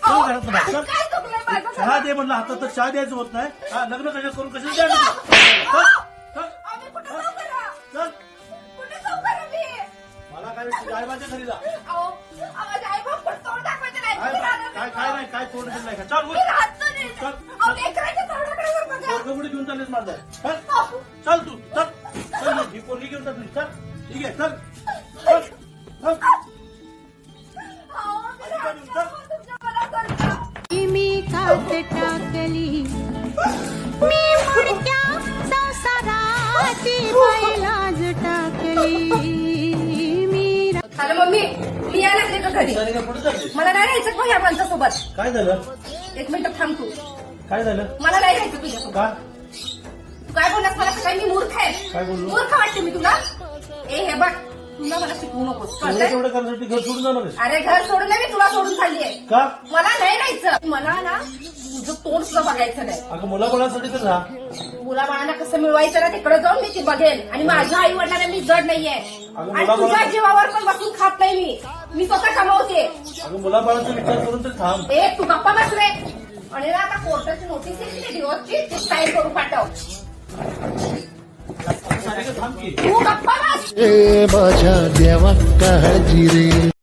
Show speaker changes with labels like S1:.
S1: चल घरात बाहेर, चल.
S2: काय चुकलंय माझं?
S1: चहा दे म्हणलं, हातात तर चहा द्यायचं होत नाही. हा, लग्न कशाला करून कशाला द्या चल चल
S2: आम्ही कुठं जाऊ करा?
S1: चल.
S2: कुठे जाऊ करा मी?
S1: मला काय तुझ्या आईबाच्या घरी जा.
S2: अहो, माझ्या आई-बाप पण तोंड दाखवायचं नाही.
S1: काय
S2: मी राहणार
S1: काय
S2: नाही.
S1: काय नाही, काय तोंड दिलं नाही का? चल
S2: मी
S1: उठ.
S2: राहत नाही.
S1: चल.
S2: अहो, लेकराच्या तोंडाकडे वर बघा.
S1: पोरगं घेऊन चाललेस माझं. चल
S2: अहो,
S1: चल तू चल चल ही पोरगी घेऊन जा तुझी. चल ठीक आहे चल चल चल.
S2: अहो, मी राहत नाही. तुमच्या मनासारखं.
S3: मी कात टाकली मी मुडक्या संसाराची बैलाज टाकली मी
S2: हॅलो मम्मी, मी यायला लागले का घरी?
S1: सारिका कुठे चाललीस?
S2: मला नाही राहायचं मग या माणसासोबत.
S1: काय झालं?
S2: एक मिनिट थांब तू.
S1: काय झालं?
S2: मला नाही राहायचं तुझ्यासोबत.
S1: का?
S2: तू काय बोललास मला? काय मी मूर्ख
S1: काय
S2: आहे?
S1: बोललो?
S2: मूर्ख वाटते मी तुला? हे बघ, तुला मला शिकवू नकोस
S1: एवढं
S2: कळतंय?
S1: तेवढं करण्यासाठी घर सोडून जाणार आहेस?
S2: अरे घर सोडून नाही, मी तुला सोडून चालली आहे.
S1: का?
S2: मला नाही राहायचं. मला ना तुझं तोंड सुद्धा बघायचं नाही.
S1: अगं मुलाबाळासाठी तर राहा.
S2: मुलाबाळांना कसं मिळवायचं ना तिकडे जाऊन मी ती बघेन. आणि माझ्या आई वडिलांना मी जड नाहीये.
S1: अगं
S2: आणि
S1: मुलाबाळा-
S2: तुझ्या जीवावर पण बसून खात नाही मी. मी स्वतः कमावते.
S1: अगं मुलाबाळाचा विचार करून तर थांब.
S2: ए तू गप्पा बस रे. आणि ना आता कोर्टाची नोटीस येते ना डिवोर्सची, ती साईन करून पाठव.
S1: सारिका थांब की.
S2: तू गप्पा बस.
S4: माझ्या देवा काळजी रे.